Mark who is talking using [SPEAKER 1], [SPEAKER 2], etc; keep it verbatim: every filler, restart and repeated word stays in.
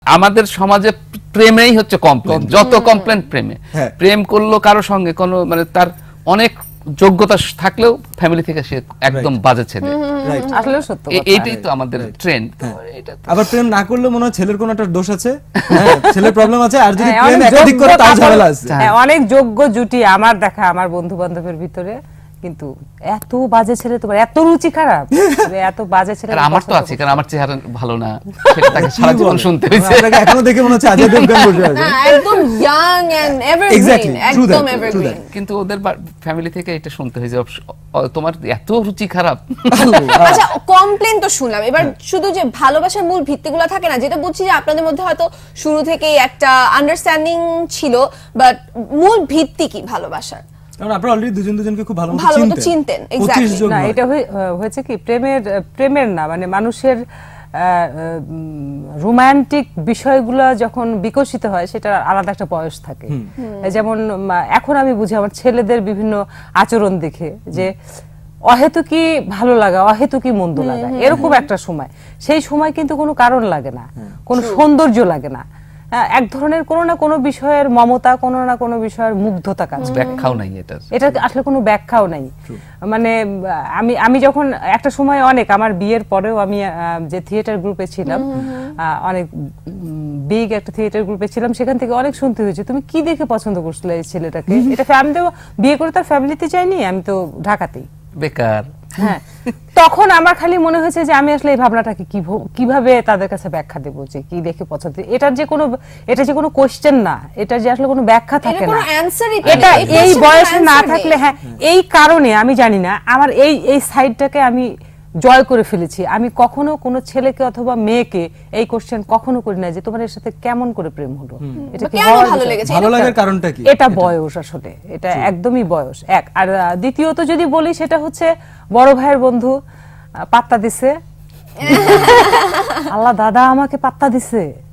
[SPEAKER 1] আমাদের সমাজে প্রেমেই হচ্ছে কমপ্লেন, যত কমপ্লেন প্রেমে। প্রেম করলো কারো সঙ্গে কোনো মানে তার অনেক যোগ্যতা থাকলেও ফ্যামিলি থেকে সে একদম বাজে ছেলে,
[SPEAKER 2] আসলে সত্য কথা।
[SPEAKER 1] এইটাই তো আমাদের ট্রেন্ড।
[SPEAKER 3] আবার প্রেম না করলে মনে হয় ছেলের কোনো একটা দোষ আছে, হ্যাঁ ছেলের প্রবলেম আছে, আর যদি প্রেম একাধিক করে তাও ঝামেলা আছে।
[SPEAKER 2] হ্যাঁ, অনেক যোগ্য জুটি আমার দেখা আমার বন্ধু বান্ধবের ভিতরে, কিন্তু এত বাজে ছেলে, তোমার এত রুচি খারাপ, এত বাজে ছেলে।
[SPEAKER 1] আমার তো আছে, কারণ আমার চেহারা ভালো না, সেটা তাকে সারা জীবন শুনতে হয়েছে।
[SPEAKER 3] আপনাকে এখনো দেখে মনে হচ্ছে অজয় দেবগন বসে আছে,
[SPEAKER 4] একদম ইয়াং এন্ড এভারগ্রিন, একদম এভারগ্রিন।
[SPEAKER 1] কিন্তু ওদের ফ্যামিলি থেকে এটা শুনতে হয়েছে, তোমার এত রুচি খারাপ।
[SPEAKER 4] আচ্ছা, কমপ্লেন তো শুনলাম, এবার শুধু যে ভালোবাসার মূল ভিত্তিগুলো থাকে না, যেটা বুঝছি যে আপনাদের মধ্যে হয়তো শুরু থেকেই একটা আন্ডারস্ট্যান্ডিং ছিল, বাট মূল ভিত্তি কি ভালোবাসার?
[SPEAKER 3] কারণ আপনারা অলরেডি দুজন দুজনকে খুব ভালো
[SPEAKER 4] ভালো মতো চিনতেন। এক্স্যাক্টলি।
[SPEAKER 2] না, এটা হয়েছে কি প্রেমের প্রেমের না মানে মানুষের রোমান্টিক বিষয়গুলো যখন বিকশিত হয় সেটা আলাদা একটা বয়স থাকে। যেমন এখন আমি বুঝি আমার ছেলেদের বিভিন্ন আচরণ দেখে যে অহেতুকি ভালো লাগা, অহেতুকি মন্দ লাগা, এরকম একটা সময়। সেই সময় কিন্তু কোনো কারণ লাগে না, কোনো সৌন্দর্য লাগে না, এক ধরনের কোনো না কোনো বিষয়ের মমতা, কোনো না কোনো বিষয়ের মুগ্ধতা কাজ,
[SPEAKER 1] ব্যাখ্যাও নাই এটা,
[SPEAKER 2] এটা আসলে কোনো ব্যাখ্যাও নাই। মানে আমি আমি যখন একটা সময় অনেক আমার বিয়ের পরেও আমি যে থিয়েটার গ্রুপে ছিলাম, অনেক বিগ একটা থিয়েটার গ্রুপে ছিলাম, সেখান থেকে অনেক শুনতে হয়েছে তুমি কি দেখে পছন্দ করছিলে এই ছেলেটাকে, এটা আমি তো বিয়ে করে তার ফ্যামিলিতে চাইনি, আমি তো ঢাকাতেই
[SPEAKER 1] বেকার।
[SPEAKER 2] হ্যাঁ, তখন আমার খালি মনে হয়েছে যে আমি আসলে এই ভাবনাটাকে কিভাবে তাদের কাছে ব্যাখ্যা দেব যে কি দেখে পছন্দ, এটার যে কোনো এটা যে কোনো কোশ্চেন না, এটা যে আসলে কোনো ব্যাখ্যা থাকে না, এটা এই বয়সে না থাকলে। হ্যাঁ, এই কারণে আমি জানি না আমার এই এই সাইডটাকে আমি জয় করে ফেলেছি। আমি কখনো কোনো ছেলেকে অথবা মেয়েকে এই কোশ্চেন কখনো করি না যে তোমার এর সাথে কেমন করে প্রেম হলো,
[SPEAKER 4] এটা কি ভালো লেগেছে,
[SPEAKER 3] ভালো লাগার কারণটা কি?
[SPEAKER 2] এটা বয়স, আসলে এটা একদমই বয়স এক। আর দ্বিতীয়ত যদি বলি সেটা হচ্ছে বড় ভাইয়ের বন্ধু পাত্তা দিছে, আল্লাহ দাদা আমাকে পাত্তা দিছে।